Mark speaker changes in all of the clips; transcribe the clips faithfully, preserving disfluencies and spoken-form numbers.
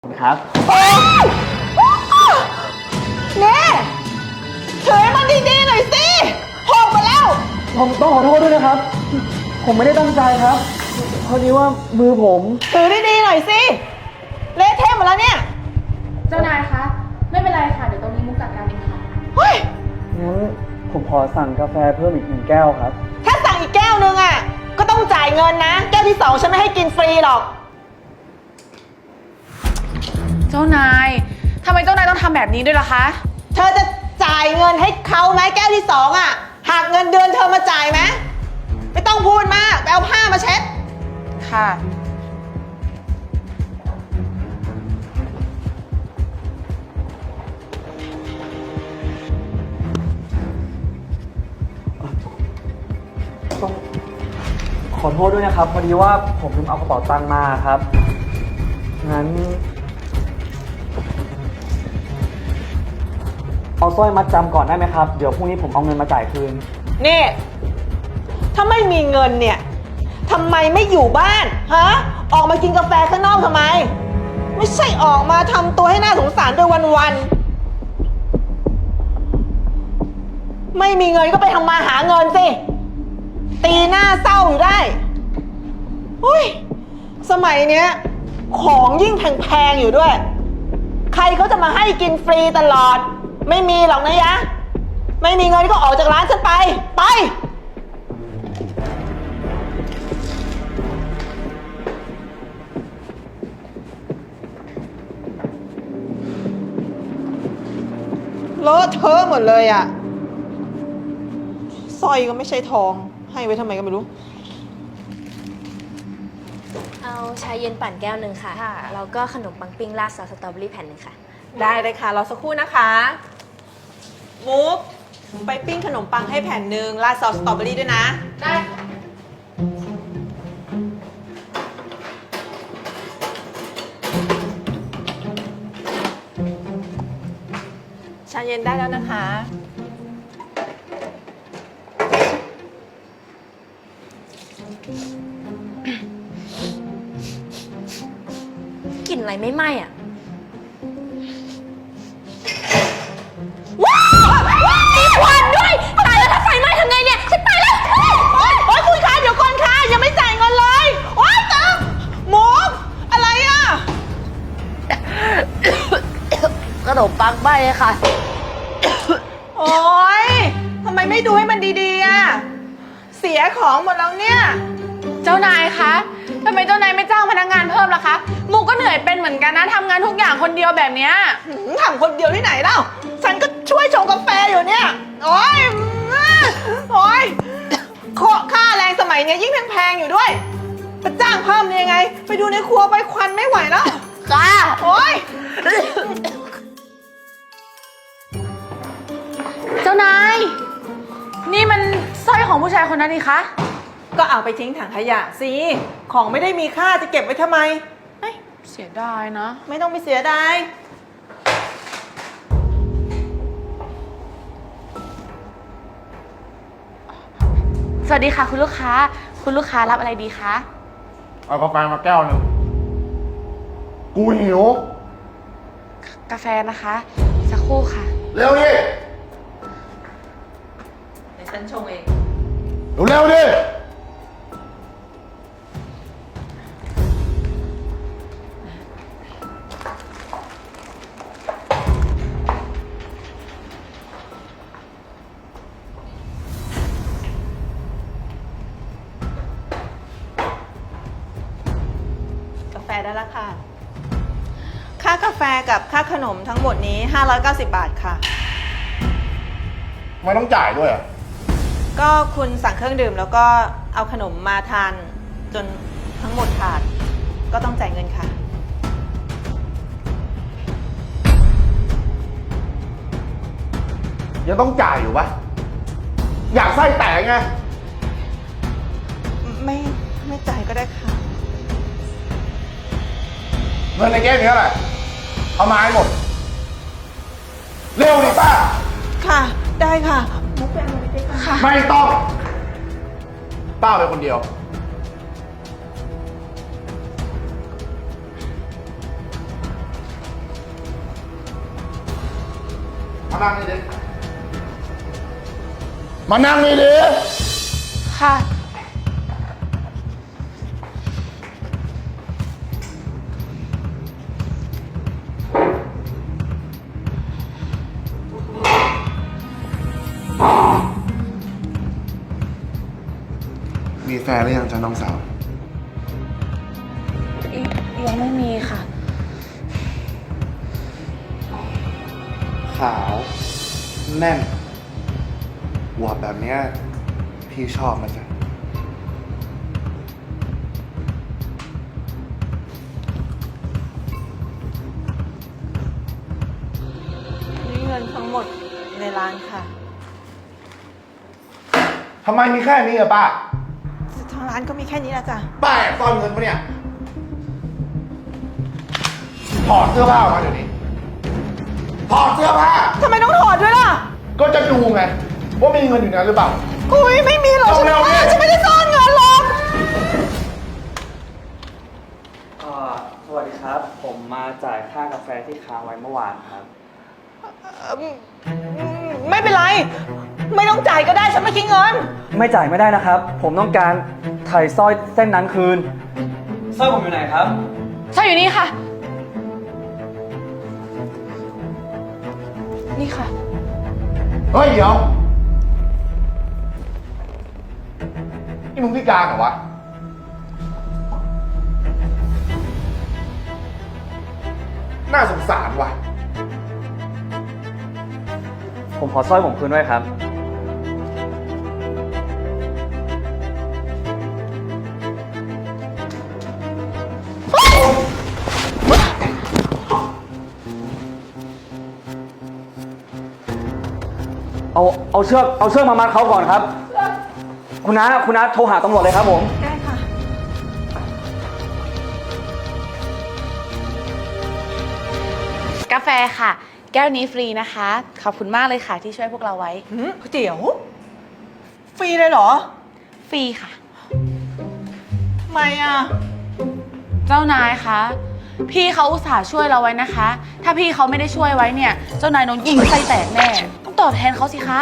Speaker 1: ครับ
Speaker 2: เนี่ยถือให้มันดีๆหน่อยสิหกมาแล้ว
Speaker 1: ผมต้องขอโทษด้วยนะครับผมไม่ได้ตั้งใจครับพอดีว่ามือผม
Speaker 2: ถือดีๆหน่อยสิเละเทะหมดแล้วเนี่ย
Speaker 3: เจ้านายคะไม่เป็นไรค่ะเดี๋ยวตรงนี้มุกจัดการเองค่ะ
Speaker 2: เฮ้ย
Speaker 1: งั้นผมขอสั่งกาแฟเพิ่มอีกหนึ่งแก้วครับ
Speaker 2: ถ้าสั่งอีกแก้วนึงอ่ะก็ต้องจ่ายเงินนะแก้วที่สองฉันไม่ให้กินฟรีหรอก
Speaker 3: เจ้านายทำไมเจ้านายต้องทำแบบนี้ด้วยล่ะคะ
Speaker 2: เธอจะจ่ายเงินให้เขาไหมแก้วที่สองอ่ะหากเงินเดือนเธอมาจ่ายไหมไม่ต้องพูดมากไปเอาผ้ามาเช็ด
Speaker 3: ค่ะ
Speaker 1: ต้องขอโทษด้วยนะครับพอดีว่าผมลืมเอากระเป๋าตังค์มาครับงั้นเอาสร้อยมัดจำก่อนได้ไหมครับเดี๋ยวพรุ่งนี้ผมเอาเงินมาจ่ายคืน
Speaker 2: นี่ถ้าไม่มีเงินเนี่ยทำไมไม่อยู่บ้านฮะออกมากินกาแฟข้างนอกทำไมไม่ใช่ออกมาทำตัวให้น่าสงสารด้วยวันๆไม่มีเงินก็ไปทำมาหาเงินสิตีหน้าเศร้าอยู่ได้อุ้ยสมัยเนี้ยของยิ่งแพงๆอยู่ด้วยใครเขาจะมาให้กินฟรีตลอดไม่มีหรอกนะยะไม่มีเงินก็ออกจากร้านฉันไปไปเลอะเทอะหมดเลยอ่ะสร้อยก็ไม่ใช่ทองให้ไว้ทำไมก็ไม่รู้
Speaker 4: เอาชาเย็นปั่นแก้วหนึ่งค่ะแล้วก็ขนมปังปิ้งราดซอสสตรอเบอรี่แผ่นหนึ่งค่ะ
Speaker 2: ได้เลยค่ะรอสักครู่นะคะมุกไปปิ้งขนมปังให้แผ่นหนึ่งราดซอสสตรอเบอรี่ด้วยนะ
Speaker 3: ได้
Speaker 2: ชาเย็นได้แล้วนะคะ
Speaker 4: กลิ่นอะไรไม่ไหม้อ่ะ
Speaker 2: ว้าวมีควันด้วย
Speaker 4: ตายแล้วถ้าไฟไหม้ทำไงเนี่ยฉันตายแล้ว
Speaker 2: โอ๊ยโอ๊ยคุณคะเดี๋ยวก่อนค่ะยังไม่จ่ายเงินเลยโอ๊ยตังมุกอะไรอ่ะ
Speaker 4: ขนมปังไหม้ค่ะ
Speaker 2: โอ๊ยทำไมไม่ดูให้มันดีๆอ่ะเสียของหมดแล้วเนี่ย
Speaker 3: เจ้านายคะทำไมเจ้านายไม่จ้างพนักงานเพิ่มล่ะคะมุกก็เหนื่อยเป็นเหมือนกันนะทำงานทุกอย่างคนเดียวแบบเนี้ย
Speaker 2: ทำคนเดียวที่ไหนเล่าฉันก็ช่วยชงกาแฟอยู่เนี่ยโอ๊ยโอ๊ยค่าแรงสมัยเนี้ยยิ่งแพงๆอยู่ด้วยจะจ้างเพิ่มได้ยังไงไปดูในครัวไปควันไม่ไหวแล้ว
Speaker 4: ค่ะ
Speaker 2: โอ๊ย
Speaker 3: เจ้านายนี่มันสร้อยของผู้ชายคนนั้นนี่คะ
Speaker 2: ก็เอาไปทิ้งถังขยะสิของไม่ได้มีค่าจะเก็บไว้ทำไม
Speaker 3: เสียดายนะ
Speaker 2: ไม่ต้องไปเสียดาย
Speaker 3: สวัสดีค่ะคุณลูกค้าคุณลูกค้ารับอะไรดีคะ
Speaker 5: เอากาแฟมาแก้วหนึ่งกูหิว
Speaker 3: กาแฟนะคะสักครู่ค่ะ
Speaker 5: เร็วดิ
Speaker 2: เดี๋ยวฉันชงเอง
Speaker 5: เร็วดิ
Speaker 2: กาแฟได้แล้วค่ะค่ากาแฟกับค่าขนมทั้งหมดนี้ห้าร้อยเก้าสิบบาทค่ะ
Speaker 5: ไม่ต้องจ่ายด้วยอ่ะ
Speaker 2: ก็คุณสั่งเครื่องดื่มแล้วก็เอาขนมมาทานจนทั้งหมดขาดก็ต้องจ่ายเงินค่ะ
Speaker 5: ยังต้องจ่ายอยู่ปะอยากไส้แตกไง
Speaker 2: ไม่ไม่จ่ายก็ได้ค่ะ
Speaker 5: เงินในแก้วนี้แหละเอามาให้หมดเร็วดิป้า
Speaker 2: ค่ะได้ค่ะมุกไปเอาเงินไปค่ะ
Speaker 5: ไม่ต้องป้าไปคนเดียว
Speaker 2: ค
Speaker 5: มานั่งนี่ดิมานั่งนี่ดิ
Speaker 3: ค่ะ
Speaker 5: มีแฟนหรือยังจ๊ะน้องสาว
Speaker 3: ยังไม่มีค่ะ
Speaker 5: ขาวแน่นอวบแบบเนี้ยพี่ชอบมันจ้ะ
Speaker 2: นี่เงินทั้งหมดในร้านค่ะ
Speaker 5: ทำไมมีแค่นี้อะป้า
Speaker 2: ทางร้านก็มีแค่นี้ละจ้ะ
Speaker 5: ป้าแอบซ่อนเงินปะเนี่ยถอดเสื้อผ้าออกมาเดี๋ยวนี้ถอดเสื้อผ้า
Speaker 2: ทำไมต้องถอดด้วยล่ะ
Speaker 5: ก็จะดูไงว่ามีเงินอยู่ในนั้นหรือเปล่า
Speaker 2: อุ้ยไม่มีหรอกฉัน
Speaker 5: เร็วๆ
Speaker 2: ไม่
Speaker 5: เนี่ย
Speaker 2: ฉันไม่ได้ซ่อนเงินหรอก
Speaker 1: เอ่อสวัสดีครับ ผมมาจ่ายค่ากาแฟที่ค้างไว้เมื่อวานครับ
Speaker 2: ไม่เป็นไร ไม่ต้องจ่ายก็ได้ฉันไม่คิดเงิน
Speaker 1: ไม่จ่ายไม่ได้นะครับ ผมต้องการถ่ายสร้อยเส้นนั้นคืนสร้อยผมอยู่ไหนครับ
Speaker 3: ใช่อยู่นี่ค่ะ นี่ค่ะ
Speaker 5: เฮ้ยเดี๋ยวนี่มึงพิการเหรอวะ น่าสงสารว่ะ
Speaker 1: ผมขอสร้อยผมคืนด้วยครับ เอาเอาเชือกเอาเชือกมามัดเขาก่อนครับ คุณน้าคุณน้าโทรหาตำรวจเลยครับผม
Speaker 2: ได้ค่ะ
Speaker 3: กาแฟค่ะ แก้วนี้ฟรีนะคะ ขอบคุณมากเลยค่ะที่ช่วยพวกเราไว้
Speaker 2: หืมก๋วยเตี๋ยว ฟรีเลยเหรอ
Speaker 3: ฟรีค่ะ
Speaker 2: ทำไมอ่ะ
Speaker 3: เจ้านายคะ พี่เขาอุตส่าห์ช่วยเราไว้นะคะ ถ้าพี่เขาไม่ได้ช่วยไว้เนี่ย เจ้านายโดนยิงไส้แตกแน่ ต้องตอบแทนเขาสิคะ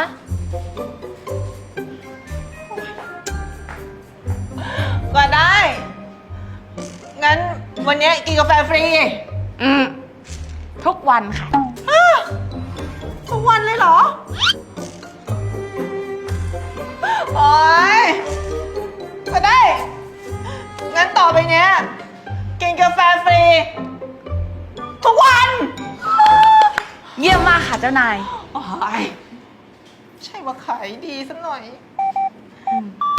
Speaker 2: ก็ได้ งั้นวันนี้กินกาแฟฟรี
Speaker 3: อืม ทุกวันค่ะ
Speaker 2: อ้าวทุกวันเลยเหรอ โอ๊ย ก็ได้ งั้นต่อไปเนี้ย กินกาแฟฟรี ทุกวัน
Speaker 3: เยี่ยมมากค่ะเจ้านาย
Speaker 2: โอ๊ยใช่ว่าขายดีสักหน่อย
Speaker 3: อืม